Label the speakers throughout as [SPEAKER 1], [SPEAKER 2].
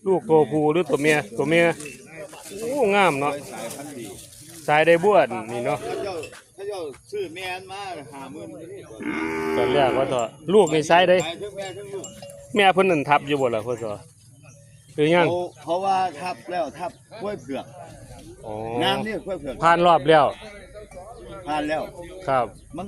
[SPEAKER 1] ลูกตัวผู้หรือตัวเมียตัวเมียโอ้งามเนาะสายได้บวชนี่เนาะ
[SPEAKER 2] ถ้าเจ้าซื้อแม่นมา50,000
[SPEAKER 1] ตอนแรกว่าต่อลูกในสายได้
[SPEAKER 2] ทั้งแม่ทั้งลูก
[SPEAKER 1] แม่เพิ่นนั่นทับอยู่บ่ล่ะพ่อสอหรือยัง
[SPEAKER 2] เพราะว่าทับแล้วทับกล้วยเผือก
[SPEAKER 1] อ๋อ
[SPEAKER 2] น้ำนี่กล้วยเผือก
[SPEAKER 1] ผ่านรอบแล้ว
[SPEAKER 2] ผ่านแล้ว
[SPEAKER 1] ครับ
[SPEAKER 2] มัน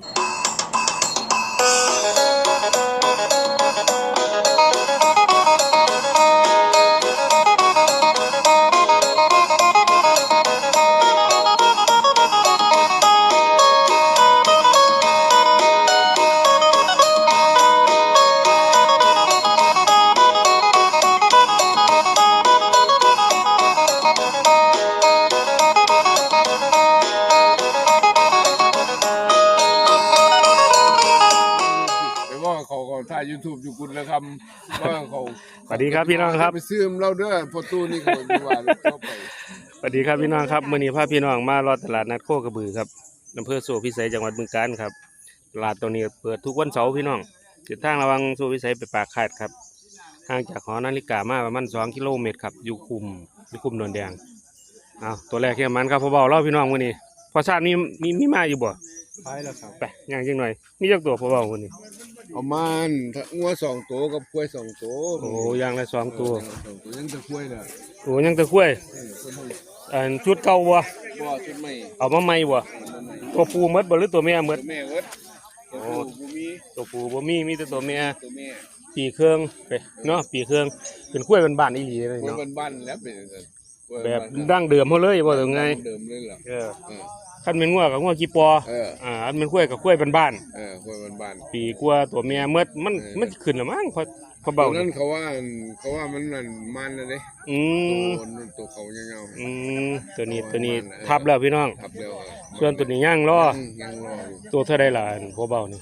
[SPEAKER 3] ถ่าย YouTube อยู่กุลนะครับว่าเขา
[SPEAKER 1] สวัสดีครับพี่น้องครับ
[SPEAKER 3] ไปซื้อเราเด้อพอตู้นี่เขาดีว่าเข้าไป
[SPEAKER 1] สวัสดีครับพี่น้องครับมื้อนี้พาพี่น้องมารอตลาดนัดโคกระบือครับอำเภอโสพิสัยจังหวัดบึงกาฬครับตลาดตรงนี้เปิดทุกวันเสาร์พี่น้องเส้นทางระวังโสพิสัยไปปากคาดครับห่างจากหอนาฬิกามาประมาณ2 กิโลเมตรครับอยู่คุมโดนแดงเอาตัวแรกแค่มันครับพอเบาเล่าพี่น้องมื้อนี้พอทราบมีมาอยู่บ่
[SPEAKER 3] ไปแล้วครับ
[SPEAKER 1] ไปย่างจังหน่อยมีจักตัวพอเบามื้อนี้
[SPEAKER 3] เอามันงัว2ตัวกับกล้วย2ตัว
[SPEAKER 1] โอ้ย่างละ2ตัว
[SPEAKER 3] ยังจะกล้วยน่ะ
[SPEAKER 1] โอ้ยังตะกล้วยชุดเก่าบ่
[SPEAKER 3] ชุดใหม่
[SPEAKER 1] เอามาใหม่บ่ตัวผู้หมดบ่หรือตัวแม่หมด
[SPEAKER 3] แม่เอิด
[SPEAKER 1] ตัวผู้บ่มีแต่ตัวแม่ปีเครื่องไปเนาะปีเครื่องเป็นกล้วยบ้านๆอีหลีเลย
[SPEAKER 3] เนาะ
[SPEAKER 1] บ้
[SPEAKER 3] านๆแล้วเป็น
[SPEAKER 1] แบบดั้งเดิมเฮาเลยบ่ถึงไง
[SPEAKER 3] เดิมเลยล่ะ
[SPEAKER 1] คันเป็นงัวกับงัวกี่ปออันเป็นกล้วยกับกล้วยบ้าน
[SPEAKER 3] กล้วยบ้าน
[SPEAKER 1] ปีกว่าตัวแม่หมดมันขึ้นแล้วมั้งพอเบา
[SPEAKER 3] นั่นเขาว่ามันนั่นมันน่ะเด้ตัวเขายาว
[SPEAKER 1] ๆตัวนี้ทับแล้วพี่น้อง
[SPEAKER 3] ทับแล้ว
[SPEAKER 1] ส่วนตัวนี้ย่างรอตัวเท่าใดล่ะพอเบานี่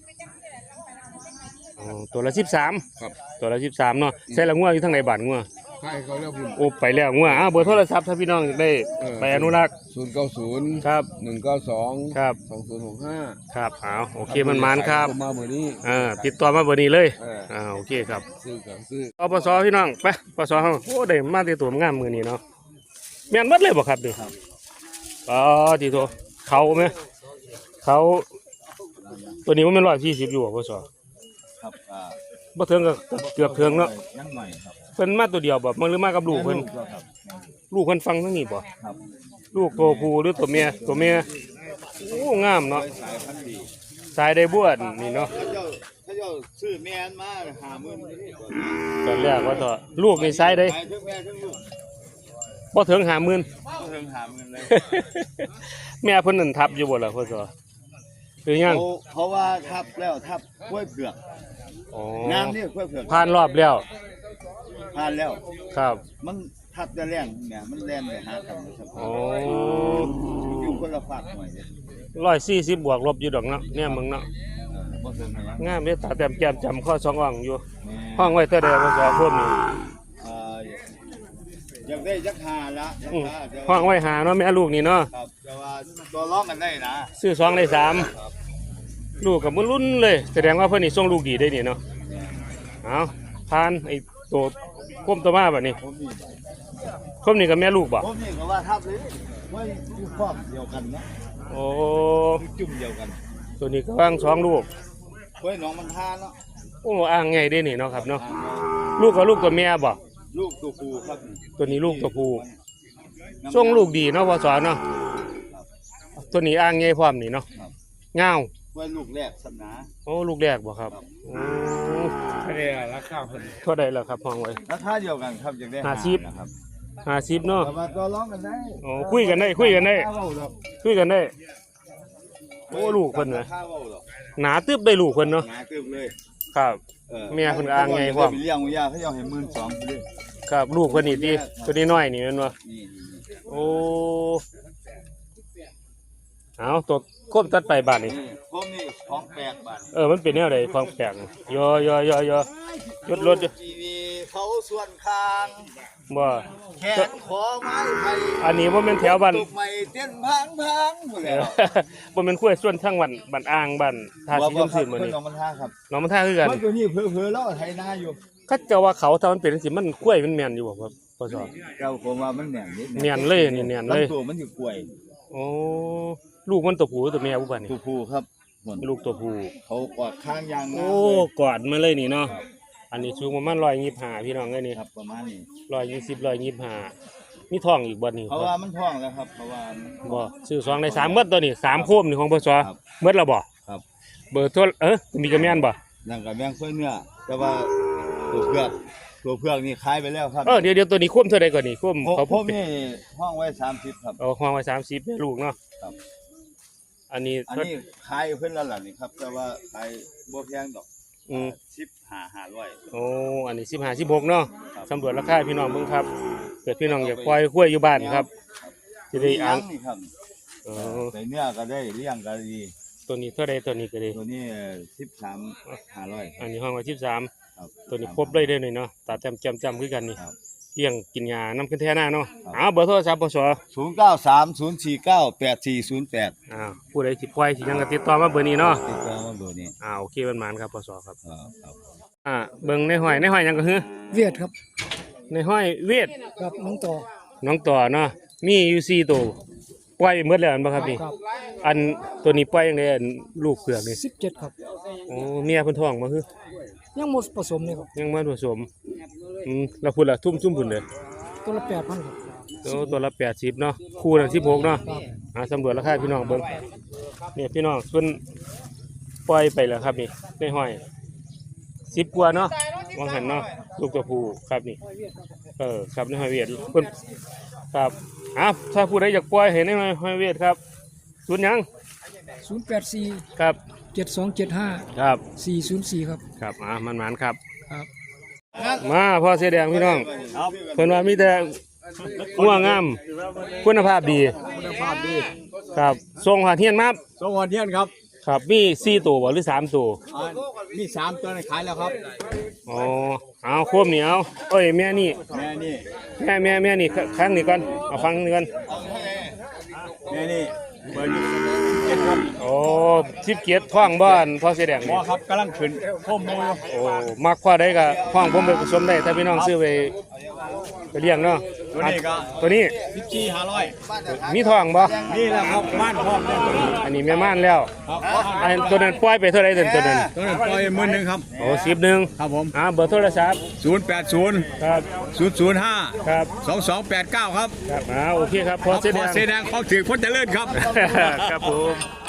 [SPEAKER 1] ตัวละ13
[SPEAKER 3] ครับ
[SPEAKER 1] ตัวละ13เนาะใส่ละงัวอยู่ทางไหนบ้านงัว
[SPEAKER 3] ใช่เขาแล้ว
[SPEAKER 1] โอ้ไปแล้วงัวเบอร์โทรศัพท์ถ้าพี่น้องได้ไปอนุรักษ์
[SPEAKER 3] 090
[SPEAKER 1] ครับ
[SPEAKER 3] 192
[SPEAKER 1] ครับ
[SPEAKER 3] 2065
[SPEAKER 1] ครับโอเคมันครับ
[SPEAKER 3] มาเบอร์นี้
[SPEAKER 1] ติดต่อมาเบอร์นี้เลยโอเคครับ
[SPEAKER 3] ซื้อ
[SPEAKER 1] ปสพี่น้องไปปสเฮาโอ้ได้มาที่ตัวงามมื้อนี้เนาะแม่นหมดเลยบ่ครับดิที่ตัวเขามั้ยเขาตัวนี้มันเป็น140อยู่บ่ปส
[SPEAKER 2] ครับ
[SPEAKER 1] บ่ถึงก็เกือบถึงเนาะ
[SPEAKER 2] ยังหน่อยครับ
[SPEAKER 1] เพิ่นมาตัวเดียวบ่มันหรือมากับลูกเพิ่นลูกเพิ่นฟังทั้งนี้บ่
[SPEAKER 2] ครับ
[SPEAKER 1] ลูกตัวผู้หรือตัวเมียโอ้งามเนาะสายได้บวชนี่เนาะ
[SPEAKER 2] ถ้าเจ้าซื้อแม่นมา50,000
[SPEAKER 1] ตอนแรกว่าต่อลูกในสายได้
[SPEAKER 2] ทั้งแม่ทั้งลูก
[SPEAKER 1] บ่ถึง50,000
[SPEAKER 2] บ่ถึง50,000เลย
[SPEAKER 1] แม่เพิ่นนั่นทับอยู่บ่ล่ะพ่อสอหรือยัง
[SPEAKER 2] เพราะว่าทับแล้วทับกล้วยเผือกน้ำนี่กล้วยเผือก
[SPEAKER 1] ผ่านรอบแล้ว
[SPEAKER 2] ผ่านแล้ว
[SPEAKER 1] ครับ
[SPEAKER 2] มันทับจะแรงเนี่ยมันแรงไปหากันอยู่คนละฝากหน่
[SPEAKER 1] อย140บวกลบอยู่ดอกเนาะเนี่ยมึงเนาะงามเด้ตาแต้มแก้มจำข้อ2อ่างอยู่ห้องไว้เท่าใดพ่อสอเพิ่มนี่
[SPEAKER 2] อยากได้จักหาละ
[SPEAKER 1] ห้องไว้หาเนาะแม่ลูกนี่เนาะ
[SPEAKER 2] ครับแต่ว่าตัวร้องกันได้นะ
[SPEAKER 1] ซื้อ2ได้3ลูกกับมันรุ่นเลยแสดงว่าเพิ่นนี่ส่งลูกดีได้นี่เนาะเอาผ่านไอ้ตัวก้มตัวมาแบบนี้ก้มนี่กับแม่ลูกบ่
[SPEAKER 2] ก้มนี่ก็ว่าทับเลยว่าอยู่ครอบเดียวกันนะ
[SPEAKER 1] โอ้
[SPEAKER 2] จุ่มเดียวกัน
[SPEAKER 1] ตัวนี้ก็ว่าง2ลูก
[SPEAKER 2] เฮ้ยน้องมันทานเนาะ
[SPEAKER 1] โอ้อ่างไงได้นี่เนาะครับเนาะลูกกับลูกตัวแม่บ่
[SPEAKER 2] ลูกตัวผู้ครับ
[SPEAKER 1] ตัวนี้ลูกตัวผู้ส่งลูกดีเนาะพอสอนเนาะตัวนี้อ่างไงพร้อมนี่เนาะเงา
[SPEAKER 2] ว่าลูกแรกสัมนา
[SPEAKER 1] โอ้ลูกแรกบ่ครับโอ้
[SPEAKER 3] เท่าไหร่ราคาเพิ่น
[SPEAKER 1] เท่าใดล่ะครับห้องไว้
[SPEAKER 2] ราคาเดียวกันครับอย่างได้
[SPEAKER 1] 50เนาะ
[SPEAKER 2] ตัวร้องกันได้
[SPEAKER 1] โอ้คุยกันได้โอ้ลูกเพิ่นน่ะหนาตึบได้ลูกเพิ่นเนาะ
[SPEAKER 2] หนาตึบเลย
[SPEAKER 1] ครับแม่เพิ่นอ่างไงพร้อม
[SPEAKER 2] เลี้ยงยาเขาให้12,000เลย
[SPEAKER 1] ครับลูกเพิ่นนี่ติตัวนี้น้อยนี่แม่นบ่โอ้เอาตัวก้มตัดไปบาทนี่
[SPEAKER 2] ก้มนี่ของแปลกบาท
[SPEAKER 1] มันเป็นแนวใดของแปลกยยดรถ
[SPEAKER 2] เขาส่วนคาง
[SPEAKER 1] บ่
[SPEAKER 2] แขนขอไม้ไทย
[SPEAKER 1] อันนี้บ่แม่นแถวบ้าน
[SPEAKER 2] ตุกไม้เต้นพังหมดแล้ว
[SPEAKER 1] บ่แม่นคุ้ยส่วนทางบ้านอ่างบ้านท่าสีน้ำซื่อมื้อนี้
[SPEAKER 2] น้องมันท่าครับ
[SPEAKER 1] น้องมันท่าคือกัน
[SPEAKER 2] ตัวนี้เผลอๆแล้วไถนาอยู่
[SPEAKER 1] เขาเจะว่าเขาถ้ามันเป็นจังซี่มันกล้วยมันแม่นอยู่บ่ครับพ่อสอ
[SPEAKER 2] เจ้าผมว่ามันแหน่งนิด
[SPEAKER 1] แม่นเลยนี่แม่นเลย
[SPEAKER 2] ตัวมันอยู่กล้วย
[SPEAKER 1] โอ้ลูกมันตัวผู้หรือตัวแม่บ่บัดนี้
[SPEAKER 2] ตัวผู้ครับหมด
[SPEAKER 1] ลูกตัวผู้
[SPEAKER 2] เขากอดข้างยางนะ
[SPEAKER 1] โอ้กอดมาเลยนี่เนาะอันนี้สูงประมาณ125พี่น้องเอ้ยนี่
[SPEAKER 2] ครับประมาณนี้
[SPEAKER 1] 120 125มีท้องอีกบ่นี่
[SPEAKER 2] เพราะว่ามันท้องแล้วครับเพราะว่ามัน
[SPEAKER 1] บ่ซื้อ2ได้3หมดตัวนี้3โคมนี่ของพ่อสอ
[SPEAKER 2] ครับ
[SPEAKER 1] หมดแล้วบ่
[SPEAKER 2] ครับ
[SPEAKER 1] เบอร์โทรมีกระแม่นบ่
[SPEAKER 2] นั่นกับแมงค่อยเนื้อแต่ว่าตัวเผือกนี่ขายไปแล้วครับ
[SPEAKER 1] เดี๋ยวตัวนี้โคมเท่าใดก่อนนี่โคมเขา
[SPEAKER 2] ผมนี่ห้องไว้30ครับ
[SPEAKER 1] เอาห้องไว้30แม่ลูกเนาะ
[SPEAKER 2] ครับ
[SPEAKER 1] อันนี้
[SPEAKER 2] อันนี้ขายเพิ่นแล้วล่ะนี่ครับแต่ว่าขายบ่แพงดอก
[SPEAKER 1] อืม
[SPEAKER 2] 15,500
[SPEAKER 1] โอ้อันนี้15 16เนาะ
[SPEAKER 2] ครับ
[SPEAKER 1] สำรวจราคาพี่น้องเบิ่งครับเกิดพี่น้องอยากปล่อยกล้วยอยู่บ้านครับสิได้อ่าน
[SPEAKER 2] นี่ครับ
[SPEAKER 1] เออ
[SPEAKER 2] ใส่เนื้อก็ได้เลี้ยงก็ดี
[SPEAKER 1] ตัวนี้เท่าใดตัวนี้ก็ได้
[SPEAKER 2] ตัวนี้13,500
[SPEAKER 1] อันนี้ห้องไว้13
[SPEAKER 2] ครับ
[SPEAKER 1] ตัวนี้ครบเลยเด้อนี่เนาะตาจำคือกันนี่
[SPEAKER 2] ครับ
[SPEAKER 1] เลี้ยงกินยาน้ำขึ้นแท้หน้าเนาะ
[SPEAKER 2] ครับ
[SPEAKER 1] เอาเบอร์โทรศัพท์ปส
[SPEAKER 2] 0930498408
[SPEAKER 1] ผู้ใดสิปล่อยสิหยังก็ติดต่อมาเบอร์นี้เนาะ
[SPEAKER 2] ติดต่อมาเบอร์นี้
[SPEAKER 1] โอเคมันหมานครับปสครับ
[SPEAKER 2] ครับ
[SPEAKER 1] เบิ่งในห้อยหยังก็คือ
[SPEAKER 4] เวียดครับ
[SPEAKER 1] ในห้อยเวท
[SPEAKER 4] กับน้องต่อ
[SPEAKER 1] น้องต่อเนาะมีอยู่4ตัวปล่อยหมดแล้วอันบ่ครับนี่
[SPEAKER 4] ครับ
[SPEAKER 1] อันตัวนี้ปล่อยจังได๋อันลูกเผือกนี่
[SPEAKER 4] 17ครับ
[SPEAKER 1] โอ้เมียเพิ่นท้องบ่คือ
[SPEAKER 4] ยังหมดผสมเลยครับ
[SPEAKER 1] ยังบ่ผสมแล้วพุ่นล่ะซุ่มพุ่นเด้อ
[SPEAKER 4] ตัวละ8,000ครับ
[SPEAKER 1] ตัวละ80เนาะคู่ละ16เนาะ
[SPEAKER 4] ครับ
[SPEAKER 1] สำรวจราคาพี่น้องเบิ่งเนี่ยพี่น้องเพิ่นปล่อยไปแล้วครับนี่ในห้อย10กว่าเนาะวางหันเนาะลูกตัวผู้ครับนี่ครับในห้อยเวียดเพิ่นครับถ้าผู้ใดอยากปล่อยให้ในห้อยเวียดครับศูนย์หยัง
[SPEAKER 4] 084
[SPEAKER 1] ครับ
[SPEAKER 4] 7275
[SPEAKER 1] ครับ
[SPEAKER 4] 404ครับ
[SPEAKER 1] ครับมันหมานครับ
[SPEAKER 4] ครับ
[SPEAKER 1] มาพ่อเสื้อแดงพี่น้องเพิ่นว่ามีแต่งัวงามคุณภาพดี
[SPEAKER 5] คุณภาพดี
[SPEAKER 1] ครับส่งหาเทียนมา
[SPEAKER 5] สองวันเทียนครับ
[SPEAKER 1] ครับมี4ตัวบ่หรือ3ตัว
[SPEAKER 5] มี3ตัวในขายแล้วครับ
[SPEAKER 1] อ๋อเอาโคมนี่เอาแม่นี่
[SPEAKER 5] แม่นี่
[SPEAKER 1] แม่นี่ครั้งนี้ก่อนเอาฟังนี่ก่อน
[SPEAKER 5] แม่นี่เบอร์27ครับ
[SPEAKER 1] โอ้ทิพเกียรติท้องบ้านพ่อเสื้อแดง
[SPEAKER 5] หม
[SPEAKER 1] นี่
[SPEAKER 5] อครับกำลังขึ้นข้อมูล
[SPEAKER 1] โอ้มักพ่อได้ก็ท้องผมไปผสมได้ถ้าพี่น้องซื้อไปเลี้ยงเนาะ
[SPEAKER 5] ตัวนี้ก็
[SPEAKER 1] ตัวนี้
[SPEAKER 5] 14,500
[SPEAKER 1] มีท้องบ่
[SPEAKER 5] นี่แหละครับบ้านพร้อมเนี่ยตัวนี้
[SPEAKER 1] อันนี้แม่ม่านแล้ว
[SPEAKER 5] ครับ
[SPEAKER 1] อันตัวนั้นปล่อยไปเท่าไหร่ตัวนั้น
[SPEAKER 5] ตัวนั้นปล่อย10,000ครับ
[SPEAKER 1] โอ้10นึง
[SPEAKER 5] ครับผม
[SPEAKER 1] เบอร์โทรศัพท์
[SPEAKER 5] 080
[SPEAKER 1] ครับ
[SPEAKER 5] 005
[SPEAKER 1] ครับ
[SPEAKER 5] 2289ครับ
[SPEAKER 1] ครับโอเคครับพ่อเสื้อ
[SPEAKER 5] ข
[SPEAKER 1] แด
[SPEAKER 5] อง เสอแดงของถือพ้นเจริญครับ
[SPEAKER 1] ครับผม